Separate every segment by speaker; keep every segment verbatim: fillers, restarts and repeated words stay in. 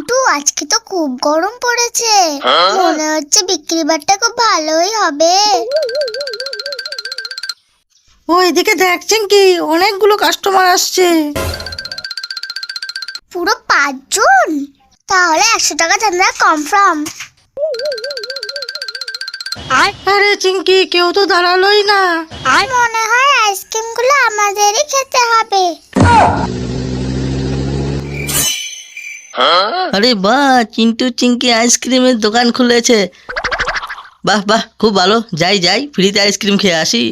Speaker 1: চিন্টু, আজকে তো খুব গরম পড়েছে, মনে হচ্ছে বিক্রি বাট্টা খুব ভালোই হবে।
Speaker 2: ওই দিকে দেখছেন কি, অনেকগুলো কাস্টমার আসছে।
Speaker 1: পুরো পাঁচজন? তাহলে একশো টাকা চাঁদা কনফার্ম।
Speaker 2: আরে চিঙ্কি, কেউ তো দাঁড়ালোই না।
Speaker 1: আর মনে হয় আইসক্রিম গুলো আমাদেরই খেতে হবে।
Speaker 3: আরে বাহ, চিন্টু চিঙ্কি আইসক্রিমের দোকান খুলেছে। বাহ বাহ, খুব ভালো। যাই যাই, ফ্রিতে আইসক্রিম খেয়ে আসি।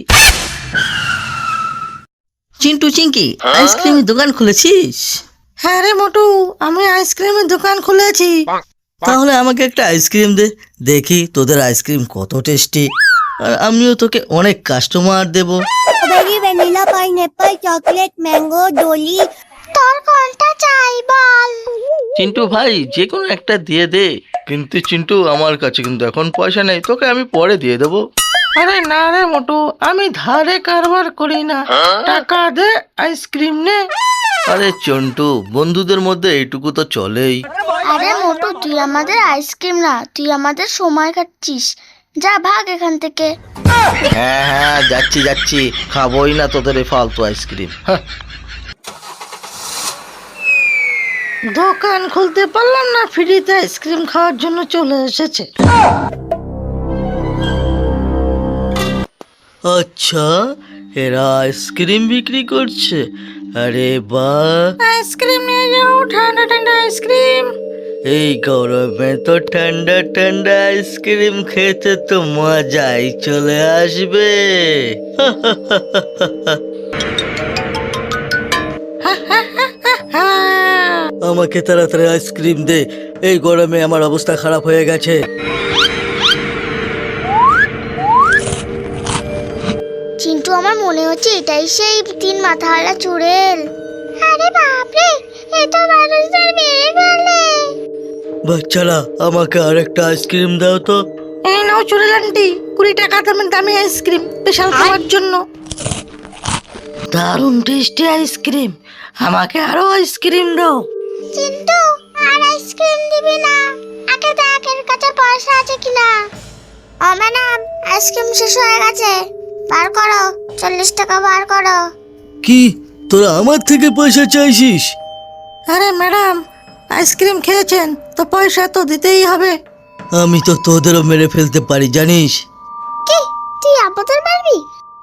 Speaker 3: চিন্টু চিঙ্কি, আইসক্রিমের দোকান খুলেছিস?
Speaker 2: হ্যাঁ রে মোটু, আমি আইসক্রিমের দোকান খুলেছি।
Speaker 3: তাহলে আমাকে একটা আইসক্রিম দে, দেখি তোদের আইসক্রিম কত টেস্টি। আর আমিও তোকে অনেক কাস্টমার দেব।
Speaker 1: Strawberry, vanilla, pineapple, chocolate, mango, ডলি। তোর কোনটা চাই বল?
Speaker 3: চিন্টু ভাই, যে কোনো একটা দিয়ে দে। কিন্তু চিন্টু, আমার কাছে কিন্তু এখন পয়সা নেই, তোকে আমি পরে দিয়ে দেবো।
Speaker 2: আরে না রে মোটু, আমি ধারে কারবার করি না, টাকা দে, আইসক্রিম নে।
Speaker 3: আরে চন্টু, বন্ধুদের মধ্যে এইটুকু তো চলেই।
Speaker 1: আরে মোটু, তুই আমাদের আইসক্রিম না, তুই আমাদের সময় কাটছিস। যা ভাগ এখান থেকে।
Speaker 3: হ্যাঁ হ্যাঁ, যাচ্ছি যাচ্ছি, খাবোই না তোদের এই ফালতু আইসক্রিম। হ্যাঁ।
Speaker 2: দোকান খুলতে পারলাম না, ফ্রিতে আইসক্রিম খাওয়ার জন্য চলে এসেছে।
Speaker 3: আচ্ছা, এরা আইসক্রিম বিক্রি করছে? আরে বাহ,
Speaker 2: আইসক্রিম নিয়ে যাও, ঠান্ডা ঠান্ডা আইসক্রিম।
Speaker 3: এই গরমে তো ঠান্ডা ঠান্ডা আইসক্রিম খেতে তো মজাই চলে আসবে। আমাকে তাড়াতাড়ি আইসক্রিম দে, এই গরমে আমার অবস্থা খারাপ হয়ে গেছে।
Speaker 1: চিন্টু, আমার মনে হচ্ছে এটাই সেই তিন মাথাওয়ালা চুড়েল। আরে বাপরে, এ তো মানুষদের মেরে ফেলে।
Speaker 3: বাচ্চারা, আমাকে আরেকটা আইসক্রিম দাও তো।
Speaker 2: এই নাও চুড়েল আন্টি, কুড়ি টাকা দামের দামি আইসক্রিম, স্পেশাল খাওয়ার জন্য। দারুণ টেস্টি আইসক্রিম, আমাকে আরো আইসক্রিম দাও।
Speaker 1: চিন্টু, আর আইসক্রিম দিবি না? আগে দেখ এর কাছে পয়সা আছে কিনা। ও ম্যাডাম, আইসক্রিম শেষ হয়ে গেছে, বার করো, চল্লিশ টাকা বার করো।
Speaker 3: কি, তোরা আমার থেকে পয়সা চাইছিস?
Speaker 2: আরে ম্যাডাম, আইসক্রিম খেয়েছেন তো পয়সা তো দিতেই হবে।
Speaker 3: আমি তো তোদেরও মেরে ফেলতে পারি, জানিস?
Speaker 1: কি, তুই আমাদের মারবি?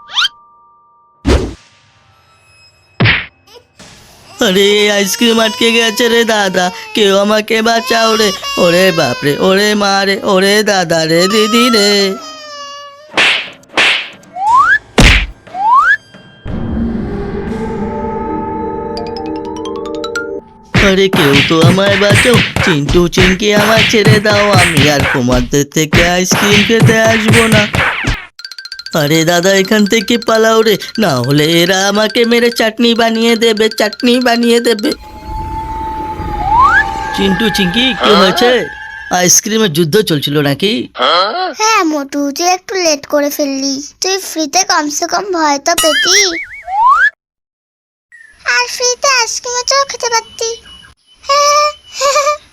Speaker 3: আরে আইসক্রিম আটকে গেছে রে দাদা, কেউ আমাকে বাঁচাও রে। ওরে বাপরে, ওরে মা রে, ওরে দাদা রে, দিদি রে। আরে কেউ তো আমায় বাঁচাও, চিন্টু চিনকে আমায় ছেড়ে দাও, আমি আর তোমাদের থেকে আইসক্রিম খেতে আসবো না। আরে দাদা, এখান থেকে পালাও রে, না হলে এরা আমাকে মেরে চাটনি বানিয়ে দেবে, চাটনি বানিয়ে দেবে। চিন্টু চিঙ্কি, কি হয়েছে? আইসক্রিমের যুদ্ধ চলছিল নাকি?
Speaker 1: হ্যাঁ মোটু, তুই একটু লেট করে ফেললি, তুই ফ্রিতে কমসে কম ভয় তো পেতি। আর ফ্রিতে আইসক্রিমও তো খেতে পারতি।